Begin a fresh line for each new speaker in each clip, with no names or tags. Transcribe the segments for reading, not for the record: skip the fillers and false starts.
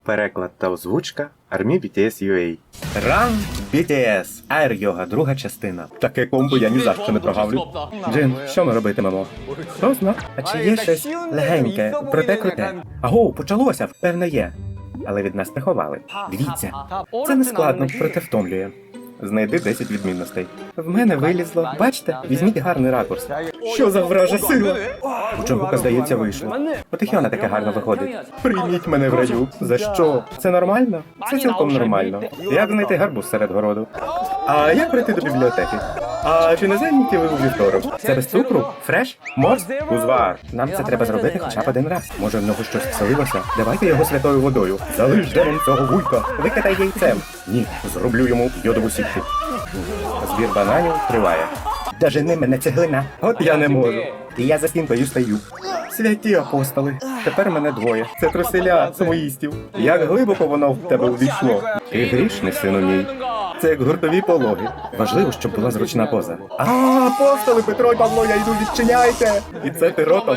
Переклад та озвучка Army BTS UA. Run BTS. Air Yoga, друга частина. Таке комбо я ні за що не прогавлю. Джин, що ми робитимемо? Хто зна? А чи є щось легеньке, проте круте? Аго, почалося, певне є. Але від нас приховали. Дивіться, це не складно, проте втомлює. Знайди 10 відмінностей. В мене вилізло. Бачите? Візьміть гарний ракурс. Що за вража сила? У Джонгука, здається, вийшло. От і Хьона таке гарно виходить. Прийміть мене в раю. За що? Це нормально? Це цілком нормально. Як знайти гарбуз серед городу? А як прийти до бібліотеки? А чи не зайняті ви у вівторок? Це без цукру? Фреш? Морс? Узвар. Нам це треба зробити хоча б один раз. Може, в нього щось вселилося? Давайте його святою водою. Залиш демон цього вуйка. Викидай яйцем. Ні, зроблю йому йодову сітку. Збір бананів триває. Дожени мене, цеглина. От я не можу. І я за стінкою стою. Святі апостоли. Тепер мене двоє. Це труселя самоїстів. Як глибоко воно в тебе увійшло. Ти грішний, сину мій. Це як гуртові пологи. Важливо, щоб була зручна поза. Апостоли, Петро і Павло, я йду, відчиняйте! І це ти ротом.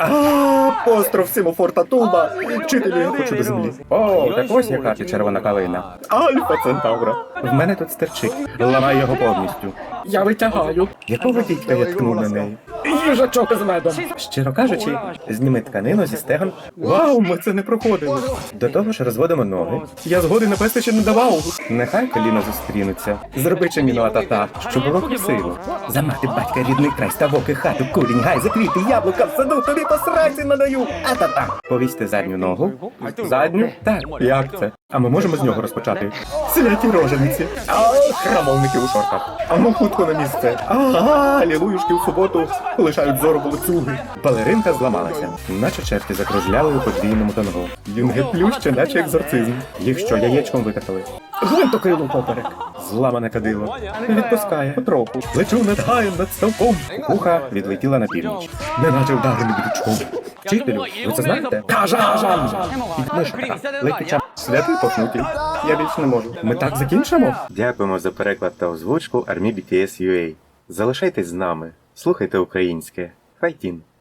Апостроф Симофорта Тулба. Вчителю, я хочу до землі. О, так ось яка ти червона калина. Альфа Центавра. В мене тут стерчить. Ламай його повністю. Я витягаю. Якого дідька я ткнув на неї? Їжачок з медом. Щиро кажучи, зніми тканину зі стегон. Вау, ми це не проходили. До того ж розводимо ноги. Я згоди на пести ще не давав. Нехай коліна зустрінуться. Зроби чиміно атата, щоб було красиво. За мати батька рідний край, ставок і хату, курінь, гай, заквіти, яблука в саду, тобі по сраці надаю. Атата. Повісьте задню ногу. Задню? Так. Як це? А ми можемо з нього розпочати? Святі рожениці. Храмовники у шортах. А ну хутко на місце. Алілуюшки в суботу лишають зору волоцюги. Балеринка зламалася, наче черті закружляли у подвійному танго. Юнги плюща, наче екзорцизм. Їх що, яєчком викатали? Гвинтокрилу поперек. Зламане кадило. Відпускає потроху. Лечу над гаєм, над ставком. Куха відлетіла на північ. Неначе вдарений бичком. Вчителю, ви це знаєте? Кажа! Підмишка. Летюча. Святий похнутий. Я більше не можу. Ми так закінчимо? Дякуємо за переклад та озвучку Army BTS UA. Залишайтесь з нами. Слухайте українське. Хайтін.